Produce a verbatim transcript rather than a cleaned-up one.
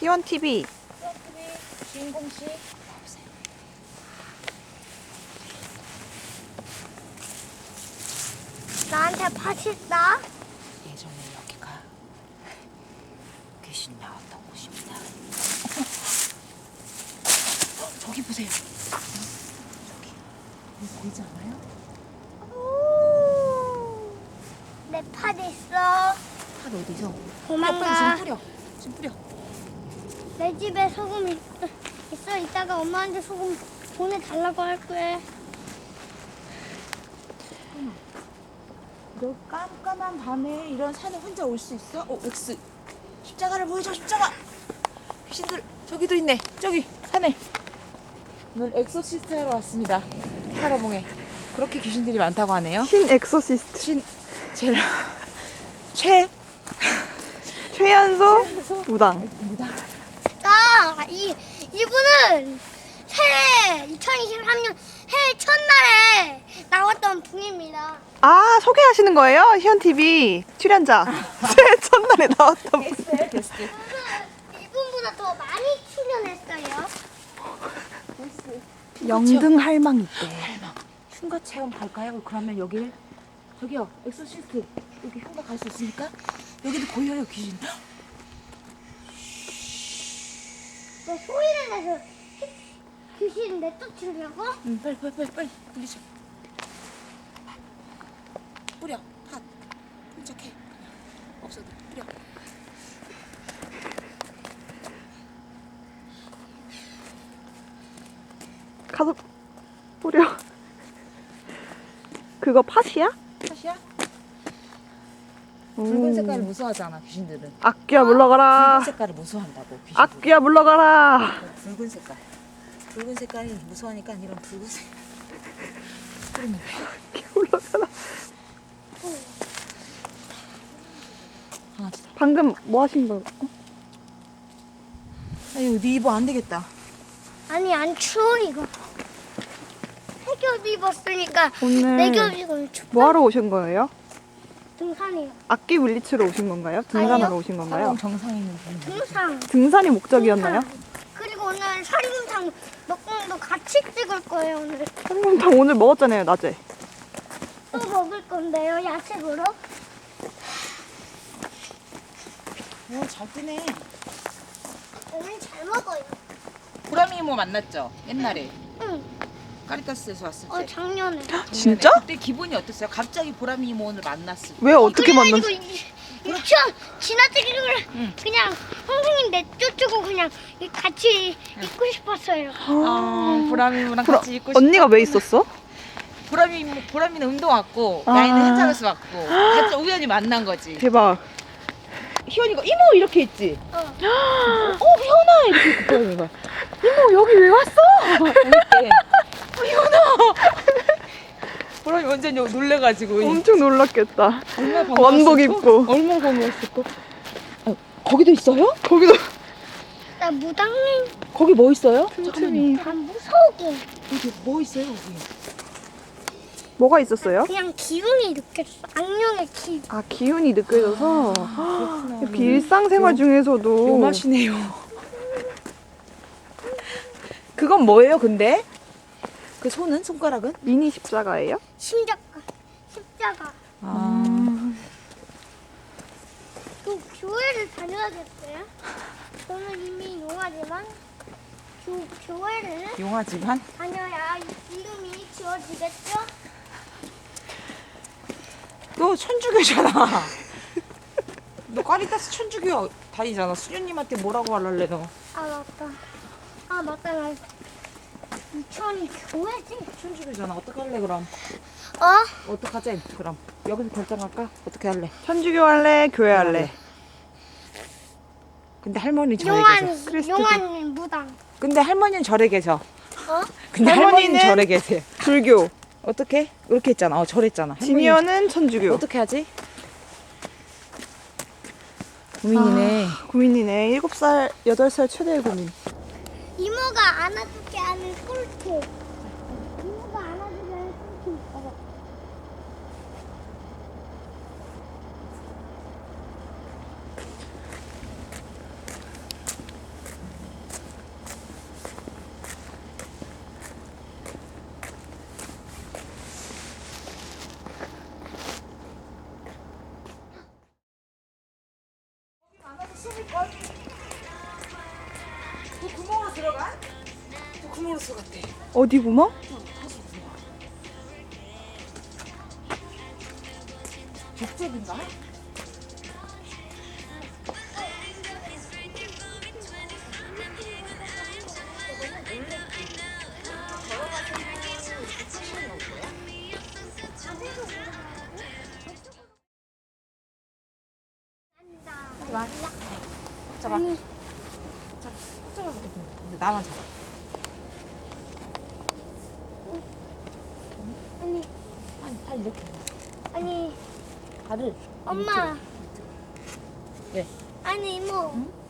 희원티비. 희원티비 주인공씨 나오세요. 나한테 파실다? 예전에 여기가 귀신 나왔던 곳입니다. 어, 저기 보세요. 저기 보이지 않아요? 내 팔 있어. 팔 어디서? 도망가. 빨리 지금 뿌려. 지금 뿌려. 내 집에 소금 있, 있어. 이따가 엄마한테 소금 보내달라고 할 거야. 너 깜깜한 밤에 이런 산에 혼자 올 수 있어? 어, 엑스. 십자가를 보여줘, 십자가. 귀신들 저기도 있네. 저기 산에. 오늘 엑소시스트 하러 왔습니다. 파라봉에. 그렇게 귀신들이 많다고 하네요. 신 엑소시스트. 신 제일 최 최연소 무당. 무당. 아, 이, 이분은 새해 이천이십삼 년 해외 첫날에 나왔던 분입니다. 아, 소개하시는 거예요? 희원티비 출연자. 제 첫날에 나왔던 분. 게스트예요, 게스트. 저는 이분보다 더 많이 출연했어요. 영등 할망 있대. 할망. 흉가 체험 갈까요? 그러면 여길 저기요, 엑소시스트 여기 흉가 갈 수 있으니까 여기도 보여요, 귀신. 내 소리를 내서 귀신 내쫓으려고? 응, 빨리 빨리 빨리 빨리 돌리죠. 뿌려, 팥. 끈적해. 없어도 뿌려. 가서 뿌려. 그거 팥이야? 팥이야? 오. 붉은 색깔을 무서워하잖아, 귀신들은. 악귀야 물러가라. 붉은 색깔을 무서워한다고. 귀신들은. 악귀야 물러가라. 붉은 색깔. 붉은 색깔이 무서워하니까 이런 붉은색. 뿌리면 돼. 악귀야 물러가라. 강아지다. 방금 뭐 하신 거? 아유, 네 입어 안 되겠다. 아니 안 추워 이거. 해겹 입었으니까 오늘 내겹 입으면 춥다. 뭐 하러 오신 거예요? 등산이요. 악기 물리치러 오신 건가요? 등산하러 아니요. 오신 사람 건가요? 정상 있는 분. 등산. 등산이 목적이었나요? 등산. 그리고 오늘 설금탕 먹방도 같이 찍을 거예요 오늘. 설렁탕 오늘 먹었잖아요, 낮에. 또 먹을 건데요 야식으로. 오, 잘 뜨네. 오늘 잘 먹어요. 보람이 이모 만났죠? 옛날에 응. 까리타스에서 왔을 때. 어 작년에. 작년에. 진짜? 그때 기분이 어땠어요? 갑자기 보람이 이모 오늘 만났을 때. 왜 어떻게 만났어? 그래가지고 이- 유치원 지나치기를 응. 그냥 선생님 내쫓고 그냥 같이 있고 싶었어요. 어, 보람이 이모랑 그럼 같이 있고 싶어. 언니가 왜 있었어? 보람이 이모, 보람이는 운동 왔고 아. 나이는 현장에서 왔고 같이 우연히 만난 거지. 대박. 희원이가 이모 이렇게 했지. 어. 어, 희원아 이렇게 했고 보람이가 이모 여기 왜 왔어? 이렇게. 어, 희원아. 보람이 완전 놀래가지고. 엄청 놀랐겠다. 얼마나 반가웠을까? 원복 입고. 얼마나 반가웠을까? 아, 거기도 있어요? 거기도 나 무당님. 거기 뭐 있어요? 틈틈이. 난 무서우게. 여기 뭐 있어요 여기? 뭐가 있었어요? 그냥 기운이 느꼈어. 악령의 기. 아, 기운이 느껴져서 그렇구나. 이렇게 일상생활 중에서도 요맛이네요. 그건 뭐예요 근데? 그 손은? 손가락은? 미니 십자가예요? 십자가. 십자가. 아. 또 교회를 다녀야겠어요? 저는 이미 용하지만 교, 교회를 용하지만? 다녀야 이름이 지워지겠죠? 너 천주교잖아. 너 까리타스 천주교 다니잖아. 수녀님한테 뭐라고 하려래 너? 아 맞다. 아 맞다. 나 유치원이 교회지? 천주교잖아. 어떻게 할래 그럼? 어? 어떡하지 그럼? 여기서 결정할까? 어떻게 할래? 천주교 할래? 교회 할래? 근데 할머니 절에 용한 계셔. 크리스트 용한 무당. 근데 할머니는 절에 계셔. 어? 근데 할머니는 할머니는 절에 계세요. 불교. 어떻게? 이렇게 했잖아. 어, 절했잖아. 할머니는 지미연은 천주교. 어떻게 하지? 고민이네. 아, 고민이네. 일곱 살, 여덟 살 최대의 고민. 이모가 안아주게 하는 꿀팁. 이모가 안아주게 하는 꿀팁 있어. 하수 같아. 어디 구멍? 족제비인가? 잡아. 잡아. 아니, 잡아. 근데 나만 잡아. 아니, 아니, 발 이렇게. 아니, 발을. 엄마. 왜? 아니, 이모. 응?